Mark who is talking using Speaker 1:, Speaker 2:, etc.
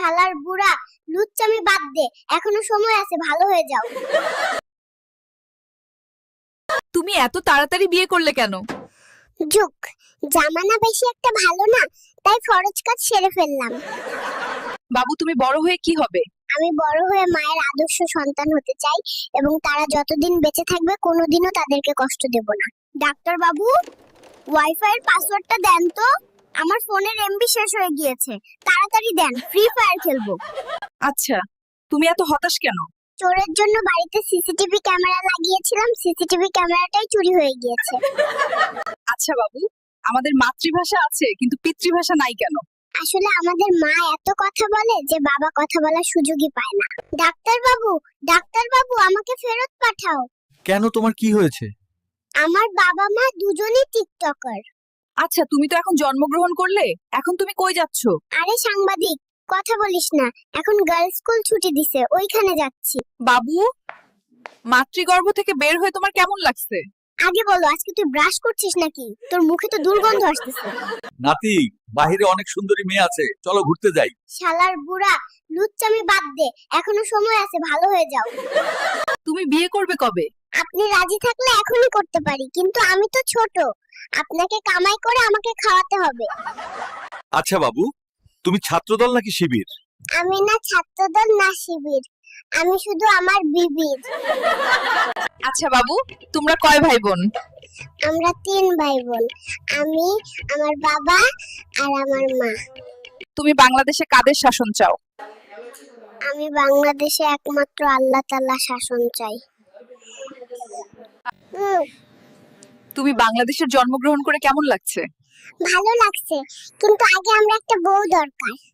Speaker 1: শালার বুড়া, লুচ্চামি বাদ দে, এখনো সময় আছে, ভালো হয়ে যাও।
Speaker 2: তুমি এত তাড়াতাড়ি বিয়ে করলে কেন?
Speaker 1: যুগ জামানা বেশি একটা ভালো না, তাই ফরজ কাজ সেরে ফেললাম।
Speaker 2: বাবু, তুমি বড় হয়ে কি হবে?
Speaker 1: আমি বড় হয়ে মায়ের আদর্শ সন্তান হতে চাই এবং তারা যতদিন বেঁচে থাকবে কোনোদিনও তাদেরকে কষ্ট দেব না। ডাক্তার বাবু, ওয়াইফাই এর পাসওয়ার্ডটা দেন তো, আমার ফোনের এমবি শেষ হয়ে গিয়েছে, তাড়াতাড়ি দেন, ফ্রি ফায়ার খেলবো।
Speaker 2: আচ্ছা, তুমি এত হতাশ কেন?
Speaker 1: চোরের জন্য বাড়িতে সিসিটিভি ক্যামেরা লাগিয়েছিলাম, সিসিটিভি ক্যামেরাটাই চুরি হয়ে গিয়েছে।
Speaker 2: আচ্ছা বাবু, আমাদের মাতৃভাষা আছে কিন্তু পিতৃভাষা নাই কেন?
Speaker 1: আসলে আমাদের মা এত কথা বলে যে বাবা কথা বলার সুযোগই পায় না। ডাক্তার বাবু আমাকে ফেরত পাঠাও।
Speaker 3: কেন, তোমার কি হয়েছে?
Speaker 1: আমার বাবা মা দুজনেই টিকটকার।
Speaker 2: আচ্ছা, তুমি তো এখন জন্মগ্রহণ করলে, এখন তুমি কই যাচ্ছ?
Speaker 1: আরে সাংবাদিক, কথা বলিস না, এখন গার্লস স্কুল ছুটি দিছে, ওইখানে যাচ্ছি।
Speaker 2: বাবু, মাতৃগর্ভ থেকে বের হয়ে তোমার কেমন লাগছে?
Speaker 1: আগে বলো, আজকে তুই ব্রাশ করছিস নাকি? তোর মুখে তো দুর্গন্ধ আসতেছে।
Speaker 3: নাতি, বাহিরে অনেক সুন্দরী মেয়ে আছে, চলো ঘুরতে যাই।
Speaker 1: শালার বুড়া, লুচ্চামি বাদ দে, এখনো সময় আছে, ভালো হয়ে যাও।
Speaker 2: তুমি বিয়ে করবে কবে?
Speaker 1: আপনি রাজি থাকলে এখনই করতে পারি, কিন্তু আমি তো ছোট, আপনাকে কামাই করে আমাকে খাওয়াতে হবে।
Speaker 3: আচ্ছা বাবু, তুমি ছাত্রদল নাকি শিবির?
Speaker 1: আমি না ছাত্রদল না শিবির, আমি শুধু আমার বিবির।
Speaker 2: আচ্ছা বাবু, তোমরা কয় ভাই বোন?
Speaker 1: আমরা 3 ভাই বোন, আমি, আমার বাবা আর আমার মা।
Speaker 2: তুমি বাংলাদেশে কাদের শাসন চাও?
Speaker 1: আমি বাংলাদেশে একমাত্র আল্লাহ তাআলা শাসন চাই।
Speaker 2: তুমি বাংলাদেশের জন্মগ্রহণ করে কেমন লাগছে?
Speaker 1: ভালো লাগছে, কিন্তু আগে আমরা একটা বউ দরকার।